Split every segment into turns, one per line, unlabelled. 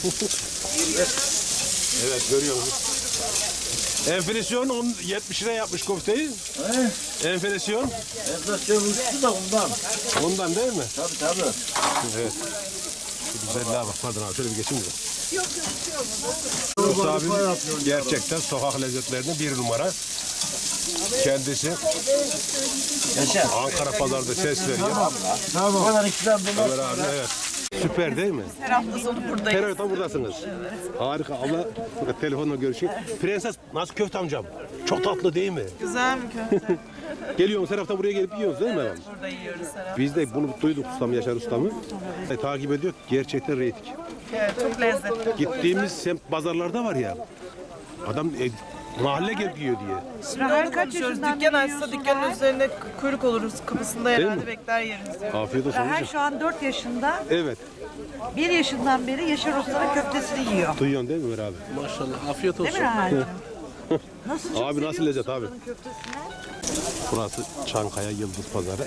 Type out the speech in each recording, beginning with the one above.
Evet, görüyorsunuz. Enflasyon 70 lira yapmış köfteyi. Enflasyon.
Enflasyon uçtu da ondan.
Ondan değil mi?
Tabii.
Evet. Şu güzelliğe bak. Pardon abi, şöyle bir geçeyim mi? Yunus abim gerçekten sokak lezzetlerinde bir numara. Kendisi Ankara pazarda ses veriyor.
Tamam. Bana ikram bunlar.
Ömer abi, evet. Süper değil mi?
Her hafta sonu buradayız.
Her hafta buradasınız. Harika. Abla telefonla görüşüyor. Prenses nasıl köfte amcam? Çok tatlı değil mi?
Güzel mi köfte?
Geliyorsunuz her hafta buraya gelip yiyorsunuz değil mi efendim?
Burada yiyoruz her hafta.
Biz de bunu duyduk ustam, Yaşar ustamı. Takip ediyor. Gerçekten reyting.
Evet, çok lezzetli.
Gittiğimiz semt pazarlarda var ya. Adam mahalle gelip yiyor diye.
Şimdi onu konuşuyoruz. Dükkan açsa dükkanın üzerinde kuyruk oluruz. Kapısında
mi?
herhalde bekler yeriz.
Afiyet olsun.
Her
hocam.
şu an 4 yaşında,
Evet.
1 yaşından beri Yaşar Usta'nın köftesini yiyor.
Duyuyorsun değil mi Ömer abi?
Maşallah, afiyet
Değil
olsun.
mi Rahal'cığım? Nasıl çok
Abi nasıl
seviyor
lezzet
musun
abi?
Usta'nın köftesini?
Burası Çankaya Yıldız Pazarı.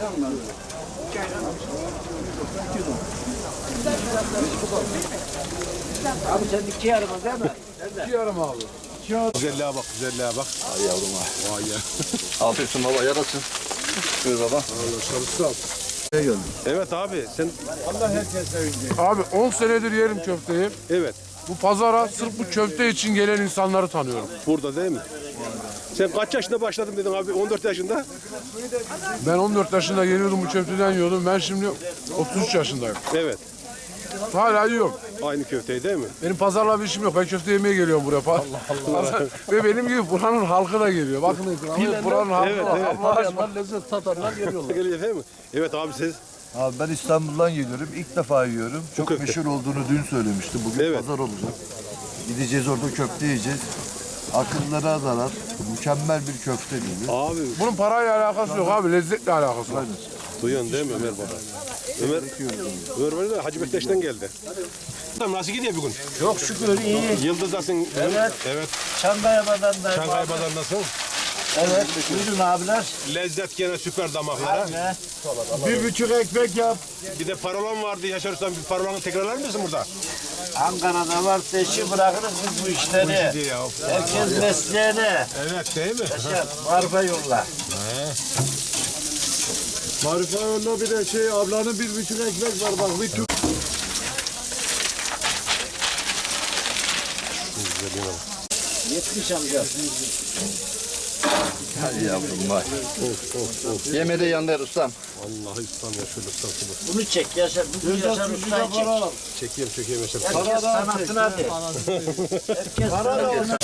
Abi sen 2 yarıma değil mi?
Güzelliğe bak, güzelliğe bak.
Ay yavrum ha.
Vay ya.
Afiyet olsun baba, yarasın. Buyur baba.
Evet abi sen
Abi 10 senedir yerim köfteyi.
evet
Bu pazara sırf bu köfte için gelen insanları tanıyorum.
burada değil mi? Sen kaç yaşında başladın dedin abi? 14 yaşında.
Ben 14 yaşında geliyordum bu köfteden yiyordum. Ben şimdi 33 yaşındayım.
Evet.
Hala yiyorum.
Aynı köfteyi değil mi?
Benim pazarla bir işim yok. Ben köfte yemeye geliyorum buraya. Ve benim gibi buranın halkı da geliyor. Bakın buranın halkı
Evet,
var.
evet.
Allah aşkına.
Lezzet tatarlar geliyorlar.
Geliyor değil mi? Evet abi siz.
Abi ben İstanbul'dan geliyorum. İlk defa yiyorum. Çok
köfte.
meşhur olduğunu dün söylemişti. Bugün
Evet.
pazar olacak. Gideceğiz orada köfte yiyeceğiz. Akıllara zarar. Mükemmel bir köfte gibi.
Abi
Bunun parayla alakası yok abi. Lezzetle alakası var.
duyuyorsun değil mi Ömer baba? Ömer var da Hacı Bektaş'tan geldi. Nasıl gidiyor bugün?
Çok şükür iyi.
Yıldız'dasın.
Evet.
Evet.
Çankaya Badan'da.
Çankaya Pazarı'ndasın.
Evet. Buyurun abiler.
Lezzet gene süper damaklara.
Ne?
1,5 ekmek yap.
Bir de parolan vardı Yaşar Usta. Bir parolanı tekrarlar mısın burada?
Ankara'da var peşi bırakırız biz bu işleri.
Diye ya.
Herkes mesleğine.
Evet değil mi?
Yaşar, marfa yolla.
Marife önüne bir de ablanın 1,5 ekmek var bak. Bir tür.
Güzelliğine bak.
70 amca.
Hadi yavrum vay. Yeme de yanlar ustam.
Vallahi ustam ya şöyle ustam şöyle.
Bunu çek Yaşar. Bunu Yaşar Usta'yı çek.
Çekeyim Yaşar.
Herkes sanatına de. Herkes sanatına.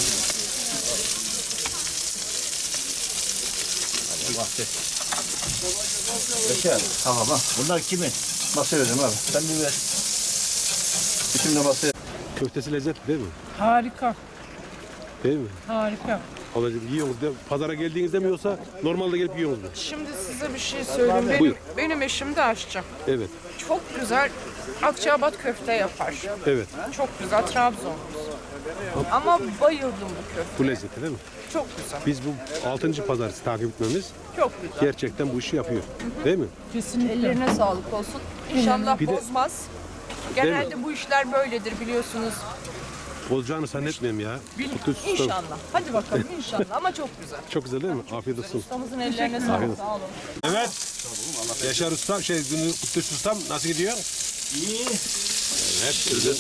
Yaşar.
Tamam ha.
Bunlar kimin?
Masaya vereceğim abi. Sen bir ver. Şimdi masaya.
Köftesi lezzetli değil mi?
Harika,
Değil mi?
harika.
Ablacığım yiyorsunuz değil mi? Pazara geldiğinizde mi yoksa normalde gelip yiyorsunuz mu?
Şimdi size bir şey söyleyeyim.
Buyur.
Benim eşim de aşçı.
Evet.
Çok güzel Akçaabat köfte yapar.
Evet.
Çok güzel Trabzon. Ama bayıldım bu köfte.
Bu lezzeti değil mi?
Çok güzel.
Biz bu 6. pazartesi takip etmemiz
Çok güzel.
gerçekten bu işi yapıyor. Değil mi?
Ellerine sağlık olsun. İnşallah
Bir de-
bozmaz. Genelde bu işler böyledir biliyorsunuz.
Olacağını zannetmiyorum ya. Kutu ustam.
İnşallah. Hadi bakalım inşallah ama çok güzel.
Çok güzel değil mi? Afiyet olsun.
Ustamızın ellerine sağlık. Sağ olun.
Evet. Yaşar Usta, Kutluş Ustam nasıl gidiyor?
İyi.
Evet. Güzel.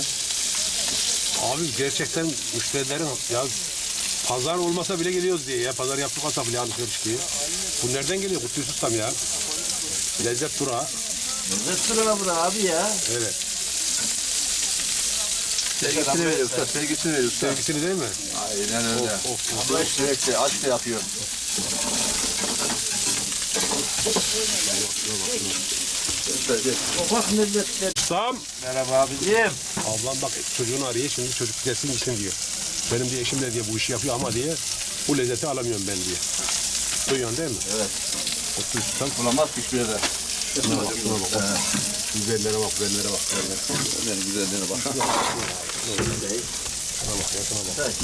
Abi gerçekten müşterilerin ya pazar olmasa bile geliyoruz diye ya. Pazar yapmasa bile alışveriş diye. Bu nereden geliyor Kutluş Ustam ya? Lezzet durağı.
Lezzet sıra bura abi ya.
Evet.
Sevgisini veriyor usta. Sevgisini veriyor usta.
Sevgisini değil mi?
Aynen öyle.
Abla
Sürekli aç da yapıyor.
Ufak milletler.
Ustam.
Merhaba abicim.
Ablam bak çocuğunu arıyor şimdi çocuk gelsin gitsin diyor. Benim diye eşim de diye bu işi yapıyor ama diye bu lezzeti alamıyorum ben diye. Duyuyorsun değil mi?
Evet.
Kutluş Ustam.
Bulamaz hiçbir yerde.
Şuna bak. Güzellere bak, güzellere bak.
Benim güzelliğine bak.
Şuna bak, ya şuna bak.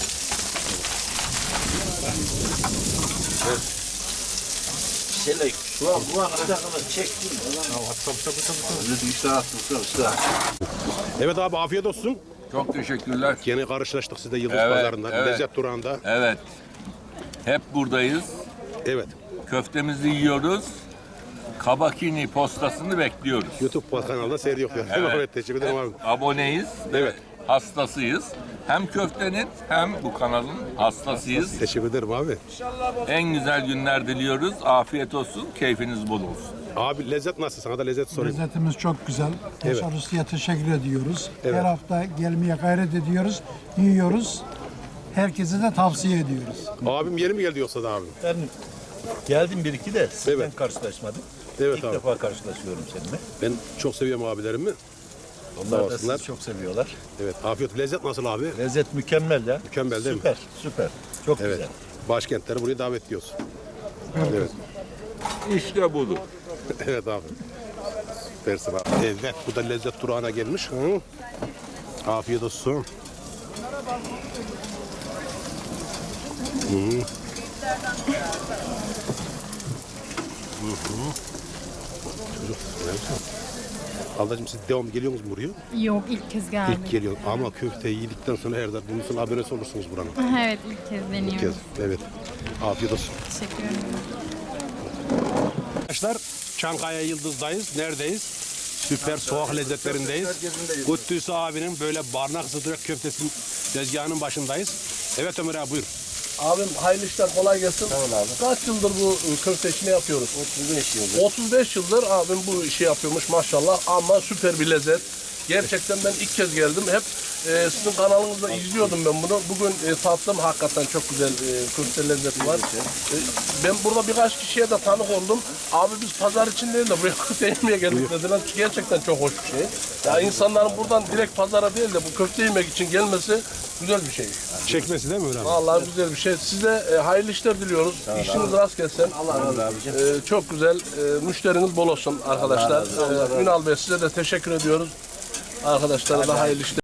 Şöyle bu ana kadar çektim.
Tabii.
Lütfen işte attım usta.
Evet abi afiyet olsun.
Çok teşekkürler.
Yeni karşılaştık sizde Yıldız
Evet,
Pazarı'nda.
evet.
Lezzet durağında.
Evet. Hep buradayız.
Evet.
Köftemizi yiyoruz. Kabakini postasını bekliyoruz.
YouTube kanalında seyrediyor. Evet. Evet. Teşekkür ederim abi.
Aboneyiz.
Evet.
Hastasıyız. Hem köftenin hem bu kanalın hastasıyız.
Teşekkür ederim abi.
En güzel günler diliyoruz. Afiyet olsun. Keyfiniz bol olsun.
Abi lezzet nasıl? Sana da lezzet sorayım.
Lezzetimiz çok güzel.
Evet.
Yaşar Usta'ya teşekkür ediyoruz.
Evet.
Her hafta gelmeye gayret ediyoruz. Yiyoruz. Herkese de tavsiye ediyoruz.
Abim yeni mi geldi yoksa da abi?
Ben geldim bir iki de sizden
Evet.
karşılaşmadık.
Evet
İlk
abi.
defa karşılaşıyorum seninle.
Ben çok seviyorum abilerimi.
Onlar da
olsunlar.
sizi çok seviyorlar.
Evet. Afiyet. Lezzet nasıl abi?
Lezzet mükemmel ya.
Mükemmel değil mi?
Süper, süper. Çok
Evet.
güzel.
Başkentleri buraya davet ediyoruz. Evet.
İşte budur.
Evet abi. Süpersin abi. Evet. Bu da lezzet durağına gelmiş. Hı? Afiyet olsun. Hı. Çocuk, ne yapıyorsun? Ablacığım siz devam geliyor musunuz buraya?
Yok ilk kez geldim.
İlk geliyor ama köfteyi yedikten sonra her zaman bunun için abonesi olursunuz buranın.
Evet ilk kez deniyorum.
İlk kez. Evet. Afiyet olsun.
Teşekkür ederim.
Arkadaşlar Çankaya Yıldız'dayız. Neredeyiz? Süper sokak lezzetlerindeyiz. Kutlüsü abinin böyle barnak sıdrak köftesinin tezgahının başındayız. Evet Ömer abi buyur.
Abim hayırlı işler, kolay gelsin. Kaç yıldır bu köfte işini yapıyoruz? 35 yıldır. 35 yıldır abim bu işi yapıyormuş maşallah ama süper bir lezzet. Gerçekten ben ilk kez geldim. Hep sizin kanalınızda izliyordum ben bunu. Bugün tattım, hakikaten çok güzel köfte lezzeti var. Ben burada birkaç kişiye de tanık oldum. Abi biz pazar için değil de buraya köfte yemeye geldik dediler. Gerçekten çok hoş bir şey. Ya insanların buradan direkt pazara değil de bu köfte yemek için gelmesi güzel bir şey.
Çekmesi değil mi Ömer abi?
Vallahi güzel bir şey. Size hayırlı işler diliyoruz. İşiniz rast gelsin. Allah razı olsun. Çok güzel. Müşteriniz bol olsun arkadaşlar. Ünal Bey size de teşekkür ediyoruz. Arkadaşlara da hayırlı işler.